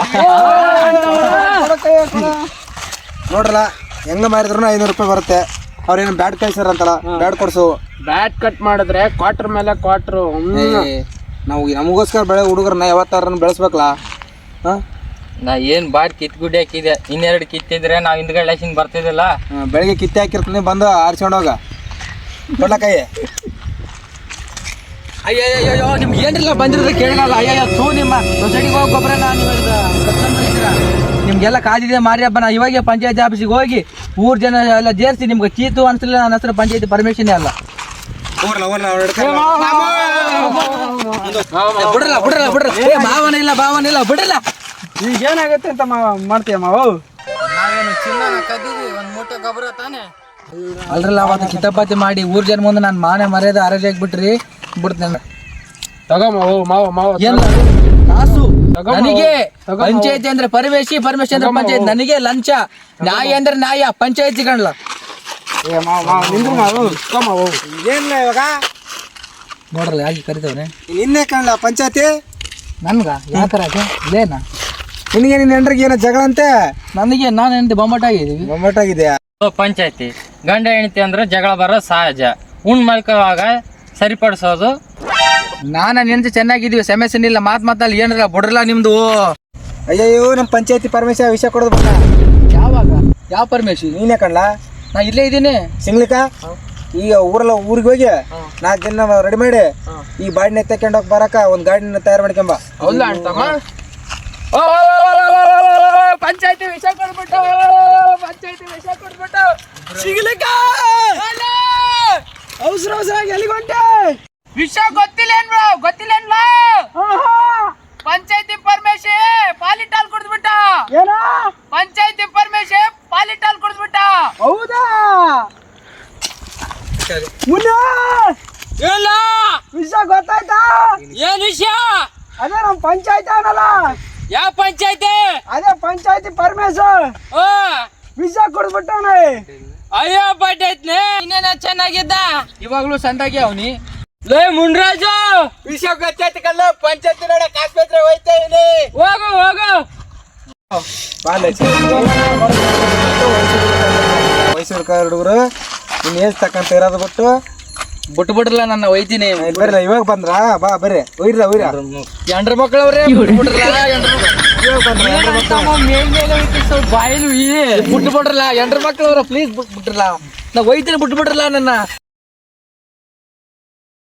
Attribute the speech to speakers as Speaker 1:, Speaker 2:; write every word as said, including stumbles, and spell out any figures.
Speaker 1: ನೋಡ್ರಲ್ಲ ಹೆಂಗ ಮಾರಿದ್ರು ಐನೂರು ರೂಪಾಯಿ ಬರುತ್ತೆ. ಅವ್ರೇನು ಬ್ಯಾಟ್ ಕಳ್ಸಾರಂತಲ್ಲ, ಬ್ಯಾಟ್ ಕೊಡ್ಸು.
Speaker 2: ಬ್ಯಾಟ್ ಕಟ್ ಮಾಡಿದ್ರೆ ಕ್ವಾರ್ಟರ್ ಮೇಲೆ ಕ್ವಾರ್ಟರ್.
Speaker 1: ನಾವು ನಮಗೋಸ್ಕರ ಬೆಳೆ ಹುಡುಗರನ್ನ ಯಾವತ್ತಾರ ಬೆಳೆಸ್ಬೇಕಲ್ಲ. ಹಾ,
Speaker 3: ನಾ ಏನ್ ಬಾಟ್ ಕಿತ್ ಗುಡ್ಡಿ ಹಾಕಿದೆ, ಇನ್ನೆರಡು ಕಿತ್ತಿದ್ರೆ ನಾವ್ ಹಿಂದ್ಗಡೆ ಲೈಸಿಂಗ್ ಬರ್ತಿದಿಲ್ಲ.
Speaker 1: ಬೆಳಿಗ್ಗೆ ಕಿತ್ತೆ ಹಾಕಿರ್ತೀನಿ, ಬಂದು ಆರಿಸ್ಕೊಂಡೋಗ ಕೊಡ್ಲಕೈ.
Speaker 4: ಅಯ್ಯಯ್ಯೋ ನಿಮ್ಗೆ ಏನಿಲ್ಲ ಬಂದಿರೋದು ಕೇಳಲ್ಲ. ಅಯ್ಯಯ್ಯೋ ತೂ ನಿಮ್ಮ ಸೊಸೈಟಿಗೆ ಹೋಗಿ ಗೊಬ್ಬರ ನಿಮ್ಗೆಲ್ಲ ಕಾದಿದೆ ಮಾರಿ ಹಬ್ಬ. ನಾ ಇವಾಗ ಪಂಚಾಯತಿ ಆಫೀಸಿಗೆ ಹೋಗಿ ಊರ್ ಜನ ಎಲ್ಲ ಸೇರಿಸಿ ನಿಮ್ಗೆ ಚೀತು ಅನ್ಸಲಿಲ್ಲ. ನನ್ನ ಹೆಸರು ಪಂಚಾಯತಿ ಪರ್ಮಿಷನ್ ಅಲ್ಲ. ಬಿಡ್ರಲ್ಲ ಬಿಡ್ರಲ್ಲ ಬಿಡ್ರ ಮಾವನ ಇಲ್ಲ ಭಾವನ ಇಲ್ಲ ಬಿಡ್ರಲ್ಲ.
Speaker 2: ಈಗ ಏನಾಗತ್ತೆ ಅಂತ ಮಾಡ್ತೀಯ ಮಾವು?
Speaker 3: ನಾವೇನು ಚಿನ್ನ ಕದ್ದೀವಿ, ಒಂದ್ ಮೂಟೆ ಗೊಬ್ಬರ ತಾನೆ.
Speaker 4: ಅಲ್ರಲ್ಲ ಅವತ್ತು ಕಿತಾಪಾತಿ ಮಾಡಿ ಊರ್ ಜನ ಮುಂದೆ ನಾನು ಮಾನೆ ಮರ್ಯಾದೆ ಆರೋಗ್ಯ ಬಿಟ್ರಿ ಬಿಡ್ತೇನೆ.
Speaker 2: ತಗೋ ಮಾವು ಮಾವ ಮಾವ
Speaker 4: ಏನ್ ಕಾಸು ನನಗೆ. ಪಂಚಾಯತಿ ಅಂದ್ರೆ ಪರಮೇಶಿ, ಪರಮೇಶಿ ಅಂದ್ರೆ ಪಂಚಾಯತಿ. ನನಗೆ ಲಂಚ. ನ್ಯಾಯ ಅಂದ್ರೆ ನ್ಯಾಯ, ಪಂಚಾಯತಿ ಕಾಣಲ್ಲ.
Speaker 2: ಏ ಮಾವ ಮಾವ ನಿಂದ್ರು ಮಾವು ಮಾವು
Speaker 1: ಏನಿಲ್ಲ ಇವಾಗ
Speaker 4: ನೋಡ್ರಲ್ಲ ಯಾಕೆ ಕರಿತವ್ರೆ
Speaker 1: ನಿನ್ನೆ ಕಾಣಲ್ಲ ಪಂಚಾಯತಿ.
Speaker 4: ನನ್ಗ ಯಾಕರ ಇಲ್ಲೇನ
Speaker 1: ನಿನಗೆ ನಿನ್ನ ಹೆಂಡ್ರಿಗೆ ಏನೋ ಜಗಳ ಅಂತೆ.
Speaker 4: ನನಗೆ ನಾನು ಹೆಂಡತಿ ಬೊಮ್ಮಟ ಆಗಿದ್ದೀವಿ.
Speaker 1: ಬೊಮ್ಮಟ್ಟಾಗಿದೆಯಾ?
Speaker 3: ಪಂಚಾಯತಿ ಗಂಡ ಹೆಂಡತಿ ಅಂದ್ರೆ ಜಗಳ ಬರೋದು ಸಹಜ. ಉಣ್ ಮಲ್ಕೋವಾಗ ಸರಿಪಡಿಸೋದು.
Speaker 4: ನಾನು ಹೆಂಡತಿ ಚೆನ್ನಾಗಿದ್ದೀವಿ, ಸಮಸ್ಯೆ ಇಲ್ಲ. ಮಾತ್ ಮಾತಲ್ಲಿ ಏನ್ರ ಬಿಡ್ರಲ್ಲ ನಿಮ್ದು.
Speaker 1: ಅಯ್ಯಯ್ಯೋ, ನಮ್ಮ ಪಂಚಾಯತಿ ಪರಮೇಶ ವಿಷಯ ಕೊಡೋದು ಬೇಡ.
Speaker 4: ಯಾವಾಗ? ಯಾವ ಪರಮೇಶಿ?
Speaker 1: ನೀನೇ ಕಣ್ಲಾ?
Speaker 4: ನಾ ಇಲ್ಲೇ ಇದ್ದೀನಿ
Speaker 1: ಸಿಂಗ್ಲಿಕ. ಈಗ ಊರಲ್ಲ ಊರಿಗೆ ಹೋಗಿ ನಾಲ್ಕು ದಿನ ರೆಡಿ ಮಾಡಿ ಈ ಬಾಡಿನ ತಕೊಂಡ್ ಹೋಗಿ ಬರಕ ಒಂದ್ ಗಾಡಿನ ತಯಾರು ಮಾಡ್ಕೊಂಬ.
Speaker 2: ಹೌದಾ ಅಂತಮ್ಮ? ಪಂಚಾಯತಿ ವಿಷಯ ಕೊಡ್ಬಿಟ್ಟು ಪಂಚಾಯತಿ ವಿಷಯ ಕೊಡ್ಬಿಟ್ಟು ಸಿಗ್ಲಿಕ್ಕ ಅವಸರ ಅವಸರಾಗಿ ಎಲ್ಲಿಗೆ ಹೊಂಟೆ? ವಿಷಯ ಗೊತ್ತಿಲ್ಲ ಗೊತ್ತಿಲ್ಲ. ಪಂಚಾಯತಿ ಪರ್ಮೇಶಿ ಪಾಲಿಟಾಲ್ ಕುಡಿದ್ಬಿಟ್ಟ. ಏನ? ಪಂಚಾಯತಿ ಪರ್ಮೇಶಿ ಪಾಲಿಟಾಲ್ ಕುಡಿದ್ಬಿಟ್ಟ. ಹೌದಾ? ಮುನ್ನ ಇಲ್ಲ ವಿಷಯ ಗೊತ್ತಾಯ್ತಾ? ಏನ್ ವಿಷಯ? ಅದೇ ನಮ್ ಪಂಚಾಯತಿ ಅನ್ನಲ್ಲ. ಯಾವ ಪಂಚಾಯತಿ? ಅದೇ ಪಂಚಾಯತಿ ಪರಮೇಶ ವಿಷಯ ಕೊಡ್ಬಿಟ್ಟಾನೆ. ಅಯ್ಯೋ ಪಂಚಾಯತ್ನೇ ಇನ್ನೇನ ಚೆನ್ನಾಗಿದ್ದ.
Speaker 4: ಇವಾಗ್ಲೂ ಸಂದಾಗಿ ಅವನಿ.
Speaker 2: ಲೇ ಮುನ್ರಾಜು, ವಿಷಯ ಗೊತ್ತಾಯ್ತು ಕಲ್ಲ. ಪಂಚಾಯತಿ ನೋಡಕ್ ಆಸ್ಪತ್ರೆ ಹೋಯ್ತಾ ಇದೀನಿ. ಹೋಗು ಹೋಗು.
Speaker 1: ಮೈಸೂರು ಕಾರ್ ಹುಡುಗರು ನಿನ್ ಏಜ್ ತಕ್ಕಂತ ಇರೋದು ಬಿಟ್ಟು
Speaker 4: ಬಿಟ್ಟು ಬಿಡ್ರಲ್ಲ ನನ್ನ ಒಯ್ತೀನಿ.
Speaker 1: ಬರ್ರಿ ಇವಾಗ ಬಂದ್ರಾ? ಬಾ ಬರ್ರಿ ಒಯ್ರ ಒಯ್ರ
Speaker 4: ಎಂಡ್ರ ಮಕ್ಕಳವ್ರೆ ಬಿಟ್ಟು ಬಿಡ್ರಲ್ಲ.
Speaker 2: ಬಾಯಿಲು
Speaker 4: ಬಿಟ್ಟು ಬಿಡ್ರಲ್ಲ ಎಂಡ್ರ ಮಕ್ಕಳವ್ರ ಪ್ಲೀಸ್ ಬಿಟ್ಟು ಬಿಡ್ರಲ್ಲ. ನಾ ಒಯ್ತೀನಿ ಬಿಟ್ಟು ಬಿಡ್ರಲ್ಲ ನನ್ನ.